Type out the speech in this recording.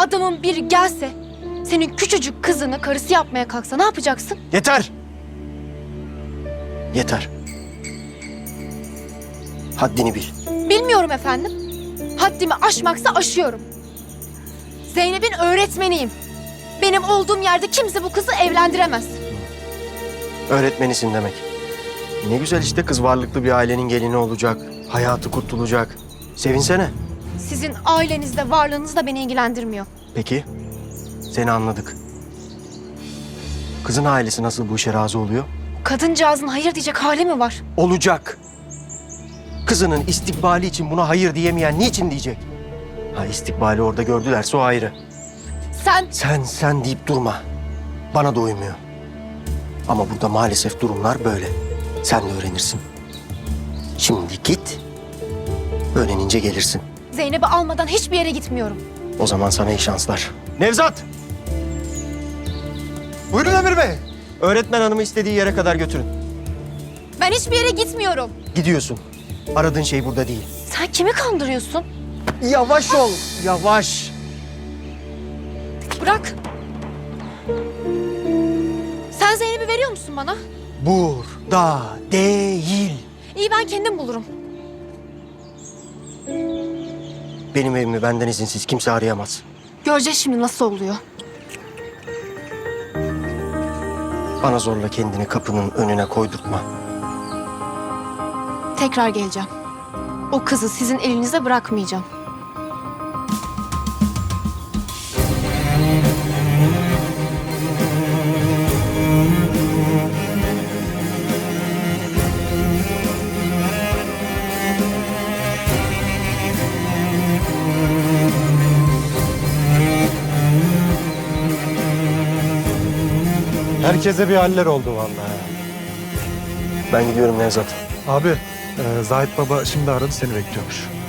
adamın biri gelse, senin küçücük kızını karısı yapmaya kalksa ne yapacaksın? Yeter! Yeter. Haddini bil. Bilmiyorum efendim. Haddimi aşmaksa aşıyorum. Zeynep'in öğretmeniyim. Benim olduğum yerde kimse bu kızı evlendiremez. Öğretmenisin demek. Ne güzel işte, kız varlıklı bir ailenin gelini olacak. Hayatı kurtulacak. Sevinsene. Sizin ailenizde, varlığınız da beni ilgilendirmiyor. Peki, seni anladık. Kızın ailesi nasıl bu işe razı oluyor? Kadıncağızın hayır diyecek hali mi var? Olacak. Kızının istikbali için buna hayır diyemeyen niçin diyecek? Ha, istikbali orada gördülerse o ayrı. Sen deyip durma. Bana da uymuyor. Ama burada maalesef durumlar böyle. Sen de öğrenirsin. Şimdi git. Öğrenince gelirsin. Zeynep'i almadan hiçbir yere gitmiyorum. O zaman sana iyi şanslar. Nevzat! Buyurun Emir Bey. Öğretmen hanımı istediği yere kadar götürün. Ben hiçbir yere gitmiyorum. Gidiyorsun. Aradığın şey burada değil. Sen kimi kandırıyorsun? Yavaş ol. Yavaş. Bırak. Sen Zeynep'i veriyor musun bana? Burada değil. İyi, ben kendim bulurum. Benim evimi benden izinsiz kimse arayamaz. Göreceğiz şimdi nasıl oluyor. Bana zorla kendini kapının önüne koydurtma. Tekrar geleceğim. O kızı sizin elinize bırakmayacağım. Herkese bir haller oldu vallahi. Ben gidiyorum Nevzat. Abi, Zahit Baba şimdi aradı, seni bekliyormuş.